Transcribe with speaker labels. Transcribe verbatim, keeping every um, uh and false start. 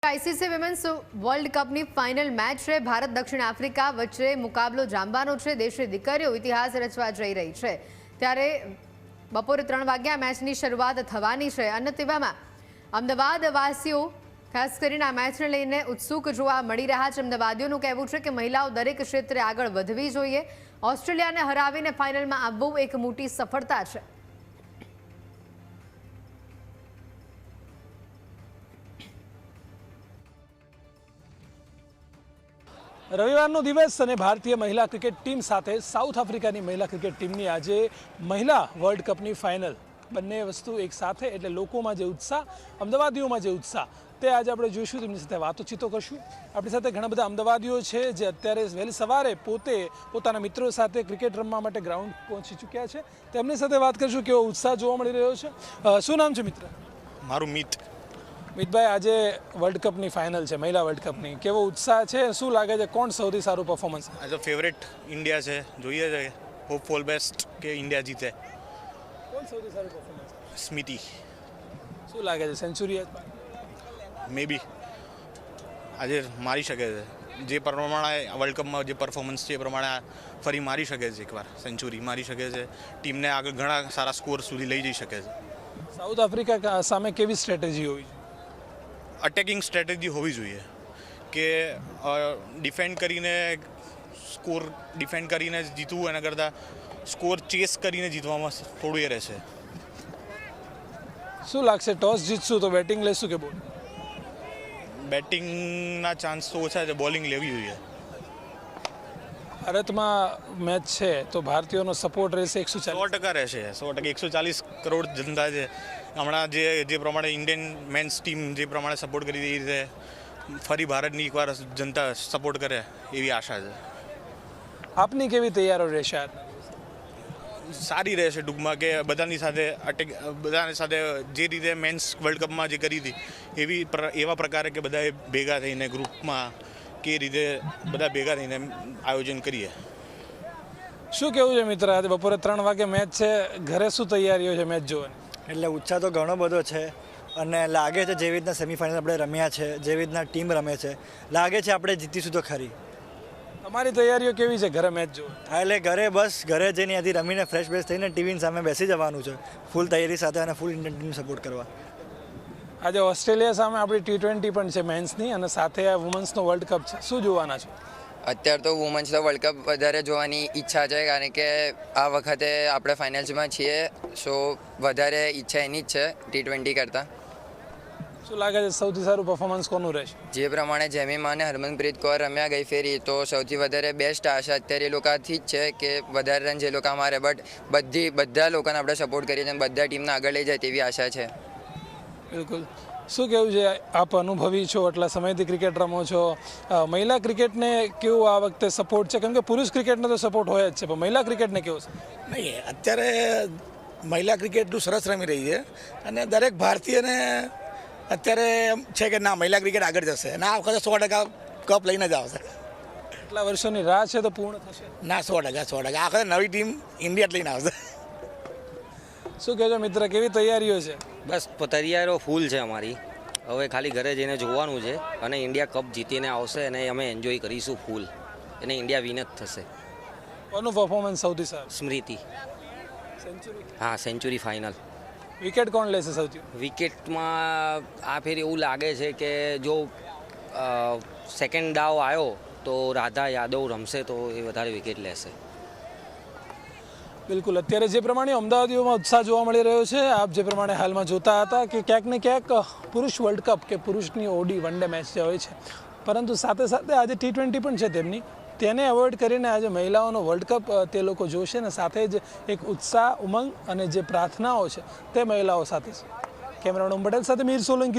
Speaker 1: ICC womens world કપની final match છે. ભારત દક્ષિણ આફ્રિકા વચ્ચે મુકાબલો જામવાનો છે. દેશની દીકરીઓ ઇતિહાસ રચવા જઈ રહી છે. ત્યારે બપોરે ત્રણ વાગ્યા મેચની શરૂઆત થવાની છે અને તેવામાં અમદાવાદ વાસીઓ ખાસ કરીને આ મેચને લઈને ઉત્સુક જોવા મળી રહ્યા છે. અમદાવાદીઓનું કહેવું છે કે મહિલાઓ દરેક ક્ષેત્રે આગળ વધવી જોઈએ. ઓસ્ટ્રેલિયાને હરાવીને ફાઇનલમાં આવવું એક મોટી સફળતા છે.
Speaker 2: રવિવારનો દિવસ અને ભારતીય મહિલા ક્રિકેટ ટીમ સાથે સાઉથ આફ્રિકાની મહિલા ક્રિકેટ ટીમની આજે મહિલા વર્લ્ડ કપની ફાઇનલ, બંને વસ્તુ એક સાથે એટલે લોકોમાં જે ઉત્સાહ, અમદાવાદીઓમાં જે ઉત્સાહ, તે આજે આપણે જોઈશું. તેમની સાથે વાતોચીતો કરશું. આપણી સાથે ઘણા બધા અમદાવાદીઓ છે જે અત્યારે વહેલી સવારે પોતે પોતાના મિત્રો સાથે ક્રિકેટ રમવા માટે ગ્રાઉન્ડ પહોંચી ચૂક્યા છે. તેમની સાથે વાત કરીશું કેવો ઉત્સાહ જોવા મળી રહ્યો છે. શું નામ છે મિત્ર?
Speaker 3: મારું મિત.
Speaker 2: મિતભાઈ, આજે વર્લ્ડ કપની ફાઇનલ છે, મહિલા વર્લ્ડ કપની, કેવો ઉત્સાહ છે? શું લાગે છે કોણ સૌથી સારું performance?
Speaker 3: As a favourite India છે, જોઈએ છે હોપ ફોર બેસ્ટ કે ઇન્ડિયા જીતે.
Speaker 2: કોણ સૌથી સારું પરફોર્મન્સ?
Speaker 3: સ્મિતિ.
Speaker 2: શું લાગે છે, સેન્ચુરી
Speaker 3: મે બી આજે મારી શકે છે. જે પ્રમાણે વર્લ્ડ કપમાં જે પરફોર્મન્સ છે એ પ્રમાણે ફરી મારી શકે છે, એકવાર સેન્ચુરી મારી શકે છે. ટીમને આગળ ઘણા સારા સ્કોર સુધી લઈ જઈ શકે છે.
Speaker 2: સાઉથ આફ્રિકા સામે કેવી સ્ટ્રેટેજી હોવી જોઈએ?
Speaker 3: અટેકિંગ સ્ટ્રેટેજી હોવી જોઈએ કે ડિફેન્ડ કરીને સ્કોર ડિફેન્ડ કરીને જીતવું એના કરતાં સ્કોર ચેસ કરીને જીતવામાં થોડું એ રહેશે.
Speaker 2: શું લાગશે, ટોસ જીતશું તો બેટિંગ લેશું કે બોલિંગ?
Speaker 3: બેટિંગના ચાન્સ તો ઓછા છે, બોલિંગ લેવી જોઈએ.
Speaker 2: ભારતમાં મેચ છે તો ભારતીયોનો સપોર્ટ રહેશે એકસો
Speaker 3: સો
Speaker 2: ચાલીસ
Speaker 3: ટકા રહેશે. સો ટકા એકસો ચાલીસ કરોડ જનતા છે. હમણાં જે જે પ્રમાણે ઇન્ડિયન મેન્સ ટીમ જે પ્રમાણે સપોર્ટ કરી એ રીતે ફરી ભારતની એકવાર જનતા સપોર્ટ કરે એવી આશા છે.
Speaker 2: આપની કેવી તૈયારીઓ રહેશે?
Speaker 3: સારી રહેશે ટૂંકમાં કે બધાની સાથે અટેક બધાની સાથે જે રીતે મેન્સ વર્લ્ડ કપમાં જે કરી હતી એવી એવા પ્રકારે કે બધાએ ભેગા થઈને ગ્રુપમાં કે રીતે બધા ભેગા થઈને આયોજન કરીએ.
Speaker 2: શું કેવું છે મિત્ર? આજે બપોરે ત્રણ વાગે મેચ છે, ઘરે શું તૈયારીઓ છે મેચ જોવાની?
Speaker 4: એટલે ઉત્સાહ તો ઘણો બધો છે અને લાગે છે જેવી રીતના સેમિફાઇનલ આપણે રમ્યા છે, જેવી રીતના ટીમ રમે છે, લાગે છે આપણે જીતીશું તો ખરી.
Speaker 2: તમારી તૈયારીઓ કેવી છે ઘરે મેચ જોવા?
Speaker 4: હા, એટલે ઘરે બસ ઘરે જઈને ત્યાંથી રમીને ફ્રેશ ફ્રેશ થઈને ટીવીની સામે બેસી જવાનું છે, ફૂલ તૈયારી સાથે અને ફૂલ ઇન્ડિયન ટીમ સપોર્ટ કરવા.
Speaker 2: આજે ઓસ્ટ્રેલિયા સામે આપણી ટી ટ્વેન્ટી પણ છે મેન્સની અને સાથે આ વુમન્સનો વર્લ્ડ કપ છે. શું જોવાના છો?
Speaker 5: અત્યારે તો વુમન્સનો વર્લ્ડ કપ વધારે જોવાની ઈચ્છા છે, કારણ કે આ વખતે આપણે ફાઇનલ્સમાં છીએ, સો વધારે ઈચ્છા એની જ છે ટી ટ્વેન્ટી કરતાં.
Speaker 2: શું લાગે છે સૌથી સારું પરફોર્મન્સ કોનું રહેશે?
Speaker 5: જે પ્રમાણે જેમીમા અને હરમનપ્રીત કૌર રમ્યા ગઈ ફેરી, તો સૌથી વધારે બેસ્ટ આશા અત્યારે એ લોકોથી જ છે કે વધારે રન જે લોકો મારે, બટ બધી બધા લોકોને આપણે સપોર્ટ કરીએ છીએ, બધા ટીમને આગળ લઈ જાય તેવી આશા છે.
Speaker 2: બિલકુલ. શું કહેવું છે? આપ અનુભવી છો, એટલા સમયથી ક્રિકેટ રમો છો, મહિલા ક્રિકેટને કેવું આ વખતે સપોર્ટ છે? કેમ કે પુરુષ ક્રિકેટને તો સપોર્ટ હોય જ છે, પણ મહિલા ક્રિકેટને કેવું છે?
Speaker 6: નહીં, અત્યારે મહિલા ક્રિકેટનું સરસ રમી રહી છે અને દરેક ભારતીયને અત્યારે એમ છે કે ના મહિલા ક્રિકેટ આગળ જશે અને આ વખતે સો ટકા કપ લઈને જ આવશે.
Speaker 2: એટલા વર્ષોની રાહ છે તો પૂર્ણ થશે?
Speaker 6: ના, સો ટકા સો ટકા આ વખતે નવી ટીમ ઇન્ડિયા જ લઈને આવશે.
Speaker 2: શું કહેજો મિત્ર, કેવી તૈયારીઓ છે?
Speaker 7: બસ તૈયારીઓ ફૂલ છે અમારી. હવે ખાલી ઘરે જઈને જોવાનું છે અને ઇન્ડિયા કપ જીતીને આવશે અને અમે એન્જોય કરીશું ફૂલ, અને ઇન્ડિયા વિન જ થશે.
Speaker 2: કોનું પરફોર્મન્સ સૌથી સારું?
Speaker 7: સ્મૃતિ.
Speaker 2: સેન્ચુરી?
Speaker 7: હા, સેન્ચુરી ફાઇનલ.
Speaker 2: વિકેટ કોણ લેશે સૌથી?
Speaker 7: વિકેટમાં આ ફેર એવું લાગે છે કે જો સેકન્ડ દાવ આવ્યો તો રાધા યાદવ રમશે તો એ વધારે વિકેટ લેશે.
Speaker 2: બિલકુલ. અત્યારે જે પ્રમાણે અમદાવાદીઓમાં ઉત્સાહ જોવા મળી રહ્યો છે, આપ જે પ્રમાણે હાલમાં જોતા હતા કે ક્યાંક ને ક્યાંક પુરુષ વર્લ્ડ કપ કે પુરુષની ઓડી વન ડે મેચ જે હોય છે, પરંતુ સાથે સાથે આજે ટી ટ્વેન્ટી પણ છે તેમની, તેને એવોઇડ કરીને આજે મહિલાઓનો વર્લ્ડ કપ તે લોકો જોશે અને સાથે જ એક ઉત્સાહ, ઉમંગ અને જે પ્રાર્થનાઓ છે તે મહિલાઓ સાથે છે. કેમેરામેન પટેલ સાથે મીર સોલંકી.